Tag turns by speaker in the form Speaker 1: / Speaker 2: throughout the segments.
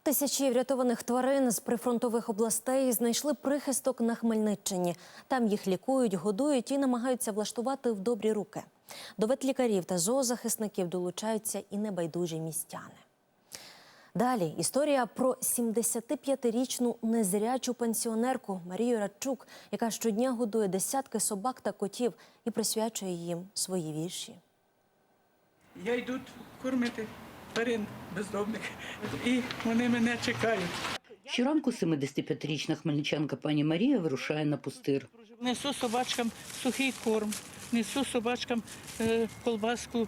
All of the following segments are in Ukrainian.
Speaker 1: Тисячі врятованих тварин з прифронтових областей знайшли прихисток на Хмельниччині. Там їх лікують, годують і намагаються влаштувати в добрі руки. До ветлікарів та зоозахисників долучаються і небайдужі містяни. Далі історія про 75-річну незрячу пенсіонерку Марію Радчук, яка щодня годує десятки собак та котів і присвячує їм свої вірші.
Speaker 2: Я йду кормити тварин бездомних, і вони мене чекають.
Speaker 3: Щоранку 75-річна хмельничанка пані Марія вирушає на пустир.
Speaker 2: Несу собачкам сухий корм, несу собачкам колбаску,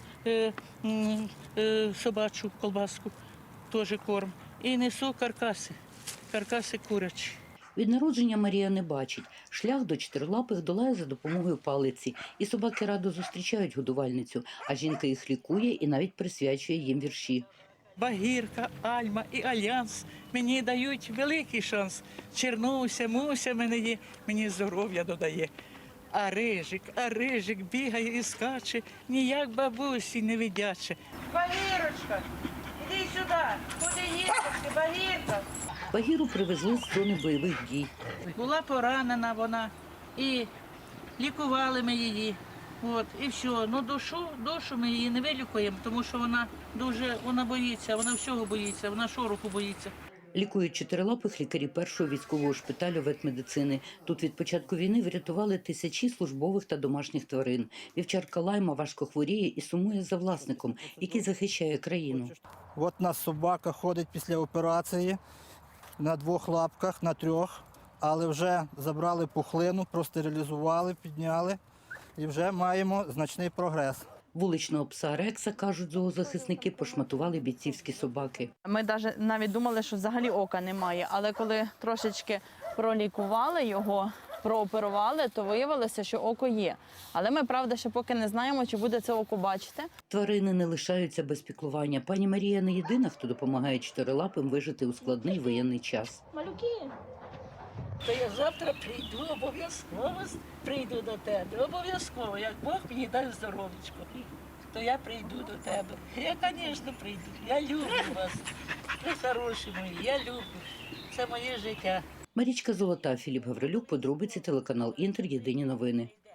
Speaker 2: собачу колбаску, теж корм. І несу каркаси курячі.
Speaker 3: Від народження Марія не бачить. Шлях до чотирилапих долає за допомогою палиці. І собаки радо зустрічають годувальницю, а жінка їх лікує і навіть присвячує їм вірші.
Speaker 2: Багірка, Альма і Альянс мені дають великий шанс. Чернуся, Муся мене є, мені здоров'я додає. А рижик бігає і скаче, ніяк бабусі не видяче. Багірочка, іди сюди, куди їдеш, Багірка?
Speaker 3: Багіру привезли з зони бойових дій.
Speaker 2: Була поранена вона, і лікували ми її. От, і все. Ну, душу ми її не вилікуємо, тому що вона боїться, вона всього боїться, вона шороху боїться.
Speaker 3: Лікують чотирилапих лікарі першого військового шпиталю ветмедицини. Тут від початку війни врятували тисячі службових та домашніх тварин. Вівчарка Лайма важко хворіє і сумує за власником, який захищає країну.
Speaker 4: От у нас собака ходить після операції на 2 лапках, на 3, але вже забрали пухлину, простерилізували, підняли і вже маємо значний прогрес.
Speaker 3: Вуличного пса Рекса, кажуть зоозахисники, пошматували бійцівські собаки.
Speaker 5: Ми навіть думали, що взагалі ока немає, але коли трошечки пролікували його, прооперували, то виявилося, що око є. Але ми, правда, ще поки не знаємо, чи буде це око бачити.
Speaker 3: Тварини не лишаються без піклування. Пані Марія не єдина, хто допомагає чотирилапим вижити у складний воєнний час.
Speaker 5: Малюки!
Speaker 2: То я завтра прийду, обов'язково прийду до тебе, обов'язково, як Бог мені дасть здоров'ячко, то я прийду до тебе. Я, звісно, прийду, я люблю вас, ви хороші мої, я люблю, це моє життя.
Speaker 3: Марічка Золота, Філіп Гаврилюк, подробиці, телеканал Інтер, єдині новини.